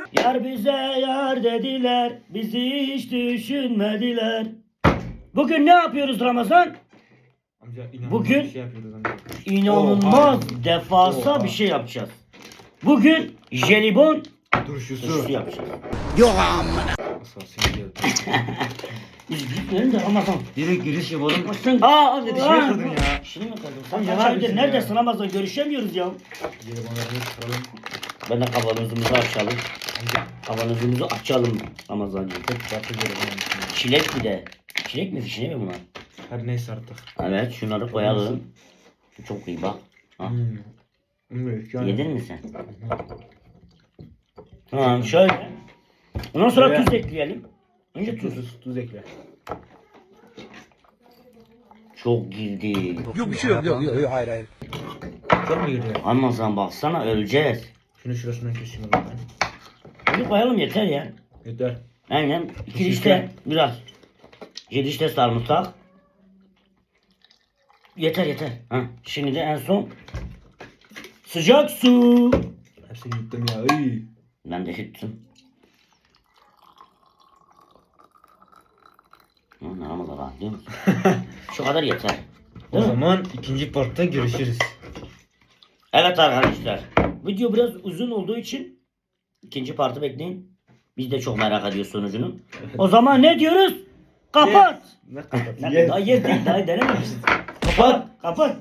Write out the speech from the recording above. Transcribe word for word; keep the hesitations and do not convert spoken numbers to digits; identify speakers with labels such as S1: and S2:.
S1: Yar bize yar dediler, bizi hiç düşünmediler. Bugün ne yapıyoruz Ramazan?
S2: Amca inanılmaz
S1: Bugün-
S2: bir şey yapıyoruz amca.
S1: İnanılmaz devasa
S2: Oha.
S1: bir şey yapacağız. Bugün jelibon
S2: Turşusu.
S1: turşusu yapacağız.
S2: Asasın geldi.
S1: Biz gitmeyelim de Ramazan.
S2: Direkt giriş yapalım.
S1: Sen...
S2: Aa amca dişimi
S1: Aa,
S2: kırdın ya.
S1: Şimdi mi kırdın? Sen
S2: Amca,
S1: kaç
S2: ne
S1: aydır
S2: yapıyorsun
S1: neredesin
S2: ya?
S1: Ramazan? Görüşemiyoruz ya.
S2: Jelibonlarını çıkaralım.
S1: Ben de kavanozumuzu açalım.
S2: Amca.
S1: Kavanozumuzu açalım Ramazan'cığım.
S2: Tek çatı jelibon.
S1: Çilek bir de. Çilek mi fişine mi bunlar?
S2: Her neyse artık.
S1: Evet şunları koyalım. Şu çok iyi bak. Ha.
S2: Hmm. Evet, yani.
S1: Yedin mi sen? Tamam şöyle. Ondan sonra
S2: Şöyle.
S1: tuz ekleyelim. Önce tuz.
S2: Tuz, tuz ekle.
S1: Çok girdi.
S3: Yok bir şey yok. Yok yok hayır hayır.
S2: Çok mu giriyor?
S1: Ramazan baksana öleceğiz.
S2: Şunu şurasından keseyim o zaman.
S1: Bunu koyalım yeter ya.
S2: Yeter.
S1: Aynen. İki dişte biraz. Yedi dişte sarımsak. Yeter yeter. Ha. Şimdi de en son sıcak su.
S2: Hepsini yuttum ya. Iy.
S1: Ben de yuttum. Hı, Ramazan rahat değil mi? Şu kadar yeter.
S2: O
S1: Değil mi?
S2: zaman ikinci partta görüşürüz.
S1: Evet arkadaşlar. Video biraz uzun olduğu için ikinci partı bekleyin. Biz de çok merak ediyoruz sonucunu. O zaman ne diyoruz? Kapat.
S2: Ne kapat?
S1: Ne- Daha yer değil, daha denememişiz. Kapat, kapat.